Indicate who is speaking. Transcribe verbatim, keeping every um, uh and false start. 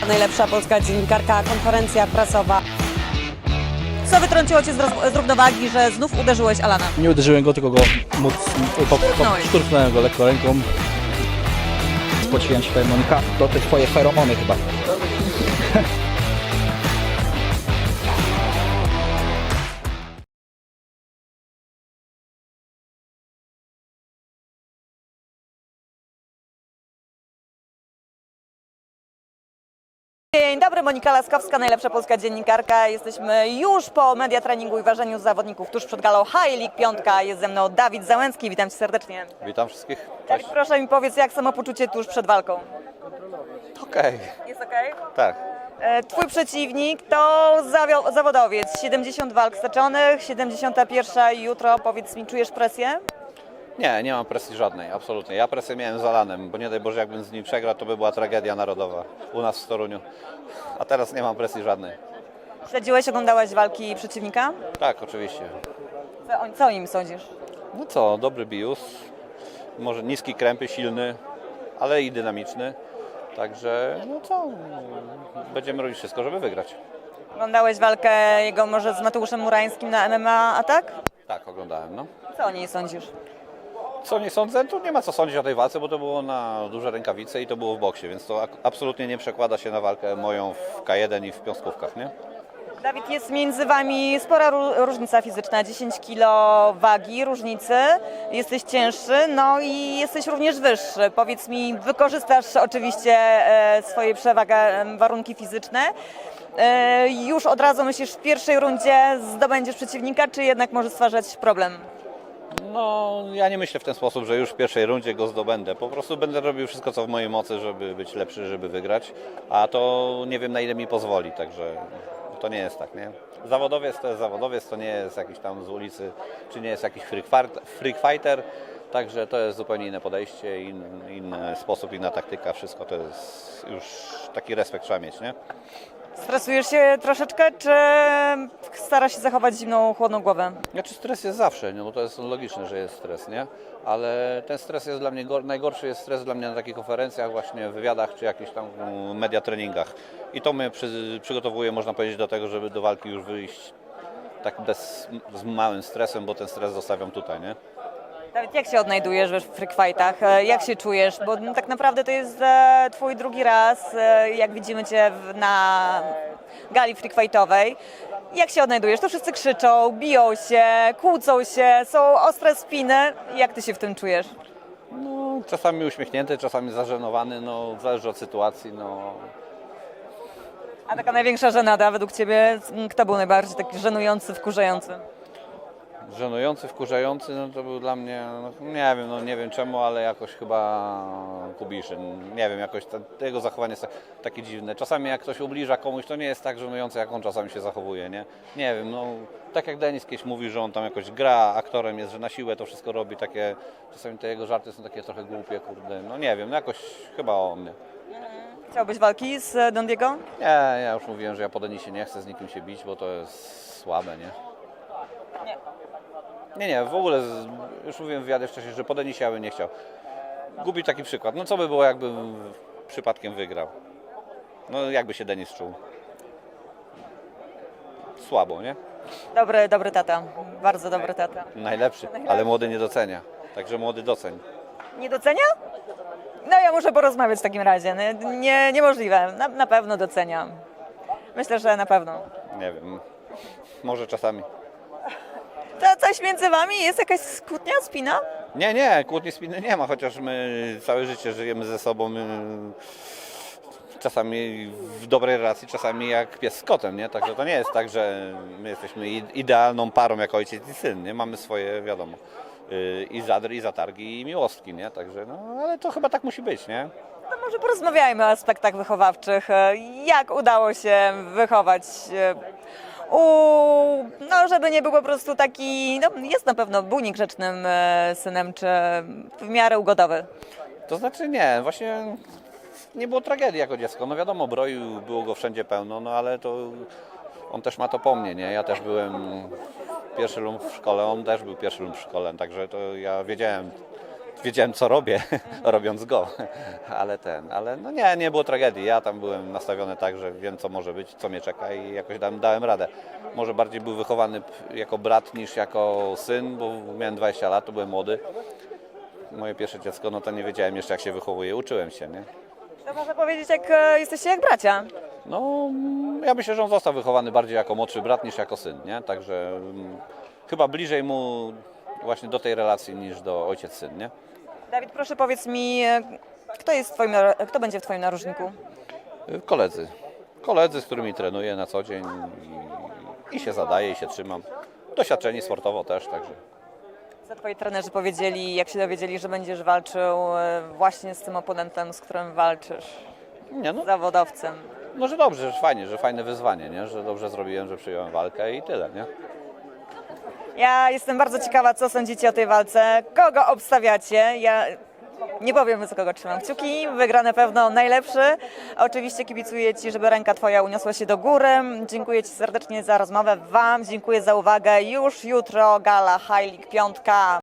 Speaker 1: najlepsza polska dziennikarka, konferencja prasowa. Co wytrąciło Cię z, roz- z równowagi, że znów uderzyłeś Alana?
Speaker 2: Nie uderzyłem go, tylko go móc, po, po,
Speaker 1: Szturchnąłeś.
Speaker 2: szturchnąłem go lekko ręką. Spociłem się, powiem, Monika, to te twoje feromony chyba.
Speaker 1: Dzień dobry, Monika Laskowska, najlepsza polska dziennikarka. Jesteśmy już po media treningu i ważeniu zawodników tuż przed galą High League Piątka. Jest ze mną Dawid Załęcki, witam Cię serdecznie.
Speaker 3: Witam wszystkich.
Speaker 1: Dawid, proszę mi powiedz, jak samopoczucie tuż przed walką?
Speaker 3: Okej,
Speaker 1: Jest okej?
Speaker 3: tak.
Speaker 1: E, Twój przeciwnik to zawio- zawodowiec, siedemdziesiąt walk stoczonych, siedemdziesiąta pierwsza jutro. Powiedz mi, czujesz presję?
Speaker 3: Nie, nie mam presji żadnej, absolutnie. Ja presję miałem z Alanem, bo nie daj Boże, jakbym z nim przegrał, to by była tragedia narodowa u nas w Toruniu. A teraz nie mam presji żadnej.
Speaker 1: Śledziłeś, oglądałeś walki przeciwnika?
Speaker 3: Tak, oczywiście.
Speaker 1: Co, o- co o nim sądzisz?
Speaker 3: No co, dobry bius, może niski krępy, silny, ale i dynamiczny. Także, no co, będziemy robić wszystko, żeby wygrać.
Speaker 1: Oglądałeś walkę jego może z Mateuszem Murańskim na M M A Atak?
Speaker 3: Tak, oglądałem, no.
Speaker 1: Co o niej sądzisz?
Speaker 3: Co nie sądzę, tu nie ma co sądzić o tej walce, bo to było na duże rękawice i to było w boksie, więc to ak- absolutnie nie przekłada się na walkę moją w K jeden i w piąstkówkach, nie?
Speaker 1: Dawid, jest między Wami spora ró- różnica fizyczna, dziesięć kilo wagi różnicy, jesteś cięższy, no i jesteś również wyższy. Powiedz mi, wykorzystasz oczywiście e, swoje przewagi, e, warunki fizyczne. E, już od razu myślisz, w pierwszej rundzie zdobędziesz przeciwnika, czy jednak może stwarzać problem?
Speaker 3: No, ja nie myślę w ten sposób, że już w pierwszej rundzie go zdobędę. Po prostu będę robił wszystko, co w mojej mocy, żeby być lepszy, żeby wygrać, a to nie wiem, na ile mi pozwoli, także to nie jest tak, nie? Zawodowiec to jest zawodowiec, to nie jest jakiś tam z ulicy, czy nie jest jakiś freak fart- freak fighter, także to jest zupełnie inne podejście, inny, inny sposób, inna taktyka, wszystko to jest już taki respekt trzeba mieć, nie?
Speaker 1: Stresujesz się troszeczkę, czy starasz się zachować zimną, chłodną głowę?
Speaker 3: Znaczy stres jest zawsze, no bo to jest logiczne, że jest stres, nie? Ale ten stres jest dla mnie, gor- najgorszy jest stres dla mnie na takich konferencjach, właśnie wywiadach, czy jakichś tam mm, media treningach. I to mnie przy, przygotowuje, można powiedzieć, do tego, żeby do walki już wyjść tak bez, z małym stresem, bo ten stres zostawiam tutaj, nie?
Speaker 1: Dawid, jak się odnajdujesz we freak fightach? E, Jak się czujesz? Bo no, tak naprawdę to jest e, twój drugi raz, e, jak widzimy cię w, na gali freak fightowej. Jak się odnajdujesz? To wszyscy krzyczą, biją się, kłócą się, są ostre spiny. Jak ty się w tym czujesz?
Speaker 3: No, czasami uśmiechnięty, czasami zażenowany, no zależy od sytuacji, no.
Speaker 1: A taka największa żenada według ciebie, kto był najbardziej taki żenujący, wkurzający?
Speaker 3: Żenujący, wkurzający, no to był dla mnie, no, nie wiem, no nie wiem czemu, ale jakoś chyba Kubiszyn, nie wiem, jakoś ta, jego zachowanie jest tak- takie dziwne. Czasami jak ktoś ubliża komuś, to nie jest tak żenujące, jak on czasami się zachowuje, nie? Nie wiem, no tak jak Denis kiedyś mówi, że on tam jakoś gra, aktorem jest, że na siłę to wszystko robi, takie, czasami te jego żarty są takie trochę głupie, kurde, no nie wiem, no jakoś chyba o mnie.
Speaker 1: Chciałbyś walki z Don Diego?
Speaker 3: Nie, ja już mówiłem, że ja po Denisie nie chcę z nikim się bić, bo to jest słabe, nie?
Speaker 1: Nie.
Speaker 3: Nie, nie, w ogóle, z- już mówiłem w wywiadzie wcześniej, że po Denisie ja bym nie chciał. Gubi taki przykład. No co by było, jakbym przypadkiem wygrał? No jakby się Denis czuł? Słabo, nie?
Speaker 1: Dobry, dobry tata, bardzo dobry tata.
Speaker 3: Najlepszy, ale młody nie docenia. Także młody doceń.
Speaker 1: Nie docenia? No ja muszę porozmawiać w takim razie. Nie, nie, niemożliwe. Na, na pewno doceniam. Myślę, że na pewno.
Speaker 3: Nie wiem, może czasami.
Speaker 1: To coś między wami? Jest jakaś kłótnia, spina?
Speaker 3: Nie, nie, kłótni spiny nie ma, chociaż my całe życie żyjemy ze sobą. y, Czasami w dobrej relacji, czasami jak pies z kotem, nie? Także to nie jest tak, że my jesteśmy i- idealną parą jak ojciec i syn, nie? Mamy swoje, wiadomo, y, i zadry, i zatargi, i miłostki, nie? Także, no, ale to chyba tak musi być, nie?
Speaker 1: No może porozmawiajmy o aspektach wychowawczych. Jak udało się wychować e, u... No żeby nie był po prostu taki... No jest na pewno był niegrzecznym e, synem, czy w miarę ugodowy.
Speaker 3: To znaczy nie, właśnie nie było tragedii jako dziecko. No wiadomo, broju było go wszędzie pełno, no ale to on też ma to po mnie, nie? Ja też byłem pierwszy lum w szkole, on też był pierwszy lum w szkole, także to ja wiedziałem, wiedziałem co robię, robiąc go, ale ten, ale no nie, nie było tragedii. Ja tam byłem nastawiony tak, że wiem co może być, co mnie czeka i jakoś dałem, dałem radę. Może bardziej był wychowany jako brat niż jako syn, bo miałem dwadzieścia lat, to byłem młody. Moje pierwsze dziecko, no to nie wiedziałem jeszcze jak się wychowuje, uczyłem się, nie?
Speaker 1: To można powiedzieć, jak e, jesteście jak bracia.
Speaker 3: No, ja myślę, że on został wychowany bardziej jako młodszy brat niż jako syn, nie? Także mm, chyba bliżej mu właśnie do tej relacji niż do ojciec-syn, nie?
Speaker 1: Dawid, proszę powiedz mi, e, kto jest w twoim, nar- kto będzie w twoim narożniku?
Speaker 3: Y, Koledzy. Koledzy, z którymi trenuję na co dzień i, i się zadaję, i się trzymam. Doświadczeni sportowo też, także.
Speaker 1: Co twoi trenerzy powiedzieli, jak się dowiedzieli, że będziesz walczył e, właśnie z tym oponentem, z którym walczysz,
Speaker 3: Nie, no,
Speaker 1: zawodowcem?
Speaker 3: no, że dobrze, że fajnie, że fajne wyzwanie, nie? Że dobrze zrobiłem, że przyjąłem walkę i tyle, nie?
Speaker 1: Ja jestem bardzo ciekawa, co sądzicie o tej walce, kogo obstawiacie. Ja nie powiem, za kogo trzymam kciuki, wygra na pewno najlepszy. Oczywiście kibicuję Ci, żeby ręka Twoja uniosła się do góry. Dziękuję Ci serdecznie za rozmowę, Wam dziękuję za uwagę. Już jutro gala High League piątka.